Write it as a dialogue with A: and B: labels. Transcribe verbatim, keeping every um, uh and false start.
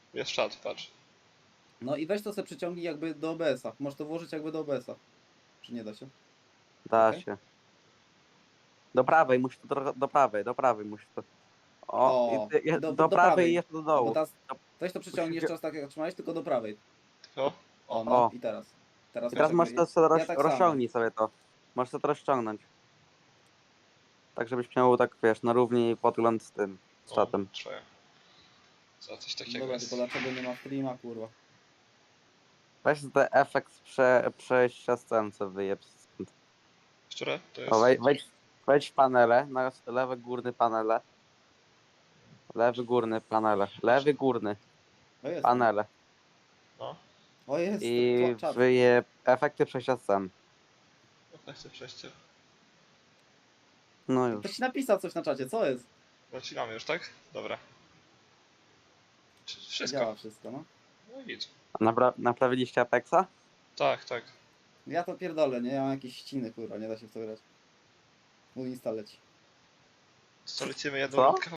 A: Jest czat, patrz.
B: No i weź to sobie przyciągnij jakby do O B S-a. Możesz to włożyć jakby do O B S-a. Czy nie da się?
C: Da
B: Okej.
C: się. Do prawej, musi to trochę, do prawej, do prawej musi to. O,
B: O,
C: i, i,
B: do-
C: do,
B: do
C: prawej
B: prawej.
C: i jeszcze do
B: No
C: dołu.
B: bo teraz
C: Do-
B: weź to przyciągnij
C: musisz-
B: jeszcze raz tak jak trzymałeś, tylko do prawej.
A: Tylko?
B: O,
A: O,
B: no
C: O.
B: i teraz. Teraz,
C: I teraz
B: masz
C: możesz
B: jakby-
C: to sobie roz,
B: ja tak samo.
C: rozciągnij sobie to. Możesz to rozciągnąć. Tak, żebyś miał tak, wiesz, na równi podgląd z tym, z
A: o,
C: czatem.
A: czuję. Co, coś takiego
B: Dobra,
A: jest.
B: tylko dlaczego nie ma streama, kurwa?
C: Weź ten efekt prze, przejścia scen, co wyjeb. stąd.
A: Które? To
C: O,
A: jest...
C: wej, wejdź, wejdź w panele, na lewy górny panele. Lewy górny panele. Lewy górny
B: O, jest.
C: panele.
A: No,
B: O, jest.
C: I
B: Tła- czat.
C: wyjeb efekty przejścia scen.
A: jak chcę przejście.
C: No już.
B: Ktoś napisał coś na czacie, co jest?
A: Zaczynamy już, tak? Dobra. Czy- Wszystko.
B: Działa wszystko, no.
A: No i git.
C: Napra naprawiliście Apexa?
A: Tak, tak.
B: Ja to pierdolę, nie? Ja mam jakieś ściny, kurwa, nie da się w to grać. Mój insta leci.
A: Co lecimy jedną
C: Co?
A: rundkę